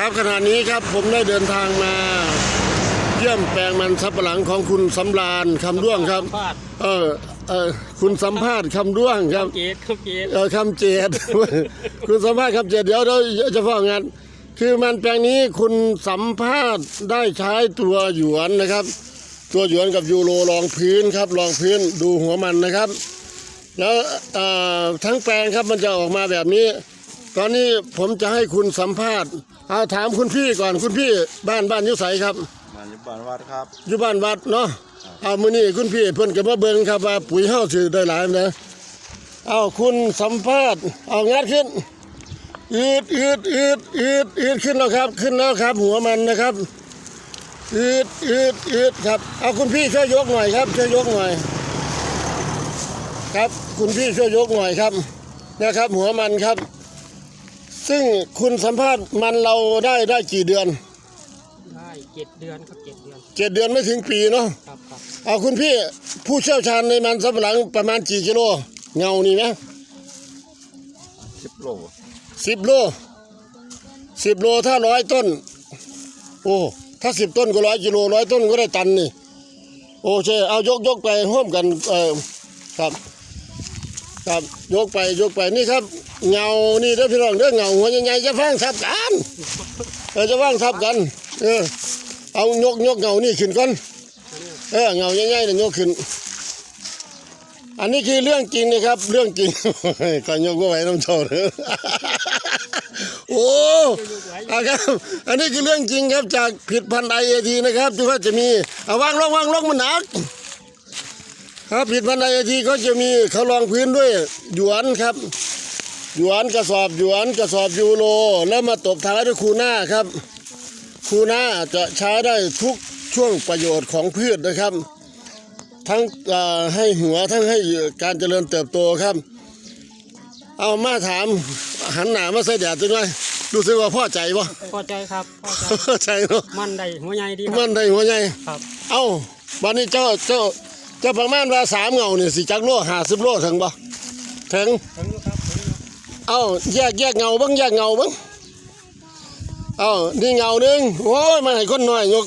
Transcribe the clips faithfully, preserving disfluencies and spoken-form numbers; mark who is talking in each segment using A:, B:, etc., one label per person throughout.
A: ครับขณะนี้ครับผมได้เดินทางมาเยี่ยมแปลงมันสำปะหลังของคุณสำราญคำด้วงครับเออเออคุณสัมภาษณ์คำด้วงครับ
B: คำเจดคำเจด
A: เออคำเจด คุณสัมภาษณ์คำเจดเดี๋ยวเดี๋ยวจะฟ้องงานคือมันแปลงนี้คุณสัมภาษณ์ได้ใช้ตัวหยวนนะครับตัวหยวนกับยูโรรองพื้นครับรองพื้นดูหัวมันนะครับแล้วทั้งแปลงครับมันจะออกมาแบบนี้ตอนนี้ผมจะให้คุณสัมภาษณ์เอาถามคุณพี่ก่อนคุณพี่บ้านบ้านยุไสครับ
C: บ้านอยู่บ้านวัดครับ
A: อยู่บ้านวัดเนาะเอามื้อนี้คุณพี่เพิ่นก็มาเบิ่งครับว่าปุ๋ยเฮาสิได้หลายนะเอาคุณสัมภาษณ์เอางัดขึ้นอืดอืดอืดอืดอืดขึ้นแล้วครับขึ้นแล้วครับหัวมันนะครับอืดอืดอืดครับเอาคุณพี่ช่วยยกหน่อยครับช่วยยกหน่อยครับคุณพี่ช่วยยกหน่อยครับนะครับหัวมันครับซึ่งคุณสัมภาษณ์มันเราได้ได้กี่เดือน
B: ได้เจ็ดเดือนครับเจ็ดเดือน
A: เจ็ดเดือนไม่ถึงปีเนาะ
B: ครับครับ
A: เอาคุณพี่ผู้เชี่ยวชาญในมันสำปะหลังประมาณกี่กิโลเงานี่นะ
C: สิบโล
A: สิบโลสิบโลถ้าร้อยต้นโอ้ถ้าสิบต้นก็ร้อยกิโลร้อยต้นก็ได้ตันนี่โอเคเอายกยกไปร่วมกันเออครับครับยกไปยกไปนี่ครับเงานี่เด้อพี่น้องเด้อเงาหัวใหญ่ๆจะฟังทับกันเออจะฟังทับกันเออเอายกยกเงานี่ขึ้นก่อนเออเงาใหญ่ๆเนี่ยยกขึ้นอันนี้คือเรื่องจริงนะครับเรื่องจริงก็ยกไว้น้ำโชว์โอ้ครับอันนี้คือเรื่องจริงครับจากผิดพันธุ์ไอเอทีนะครับที่ว่าจะมีเอาวางลงวางลงมันหนักครับผิดพันธุ์ไอเอทีก็จะมีเขารองพื้นด้วยหยวนครับหยวนกระสอบหยวนกระสอบยูโรแล้วมาตบท้ายด้วยคูน่าครับคูน่าจะใช้ได้ทุกช่วงประโยชน์ของพืชนะครับทั้งให้หัวทั้งให้การเจริญเติบโตครับเอามาถามหันหน้ามาใส่แดดจังเลยรู้สึกว่าพอใจปะ
B: พอใจครับ
A: พอใจเนาะ
B: มันได้หัวใหญ่ดี
A: มันได้หัวใหญ่
B: ครับ
A: เอ้าวันนี้เจ้าเจ้าเจ้าประมาณว่าสามเงาเนี่ยสิจักโลห้าสิบโลถึงปะถึงเอ้าแยกแยกเงาบ้างแยกเงาบ้างเอ้านี่เงาหนึ่งโอ้ยมาให้คนน้อยยก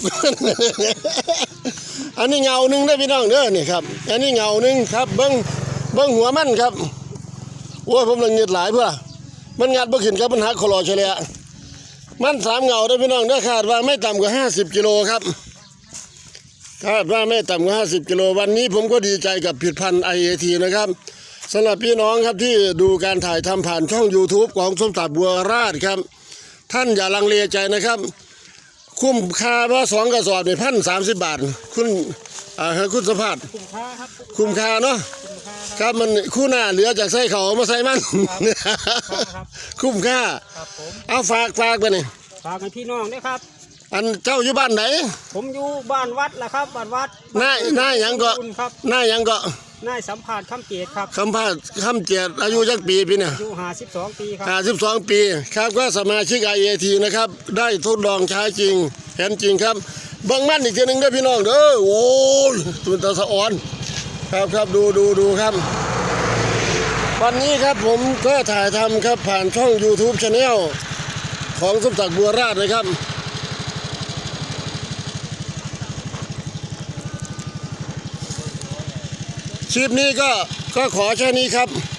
A: อันนี้เงาหนึ่งได้พี่น้องเด้อนี่ครับอันนี้เงาหนึ่งครับเบิ้งเบิ้งหัวมันครับโอ้ยผมเลยเงียดหลายเพื่อมันงัดบ่ขึ้นครับมันหักคอรอเฉลี่ยมันสามเงาได้พี่น้องได้คาดว่าไม่ต่ำกว่าห้าสิบกิโลครับคาดว่าไม่ต่ำกว่าห้าสิบกิโลวันนี้ผมก็ดีใจกับผลิตภัณฑ์ ไอ เอ ที นะครับสำหรับพี่น้องครับที่ดูการถ่ายทำผ่านช่อง ยูทูบ ของสมศักดิ์บัวราชครับท่านอย่าลังเลใจนะครับคุ้มค่าว่าสองกระสอบเนี่ยพันสามสิบบาทคุณอ่าคุณสภาพ
B: คุ้มค่าครับ
A: คุ้มค่าเนาะครับมันคู่หน้าเหลือจากใส่เขามาใส่มันคุ้มค่าเอาฝากฝากไปนี่
B: ฝากให้พี่น้องด้วยครับ
A: อันเจ้าอยู่บ้านไหน
B: ผมอยู่บ้านวัดแหละครับบ้านวัด
A: หน้าหน้ายังก็หน้ายังก็
B: นายสัมภาษณ์คำเจดครับ
A: คำพาดคำเจดอายุจักปีปีเนี่ย
B: อายุห้าสิบสองปีครับ
A: ห้าสิบสองปีครับก็สมาชิก ไอ เอ ที นะครับได้ทดลองใช้จริงเห็นจริงครับเบิ่งมันอีกทีหนึ่งด้วยพี่น้องเด้อโอ้ยตัวตาสะอ่อนครับครับดูดูดูครับวันนี้ครับผมก็ถ่ายทำครับผ่านช่อง ยูทูบ Channel ของสมศักดิ์บัวราชนะครับคลิปนี้ก็ก็ขอแค่นี้ครับ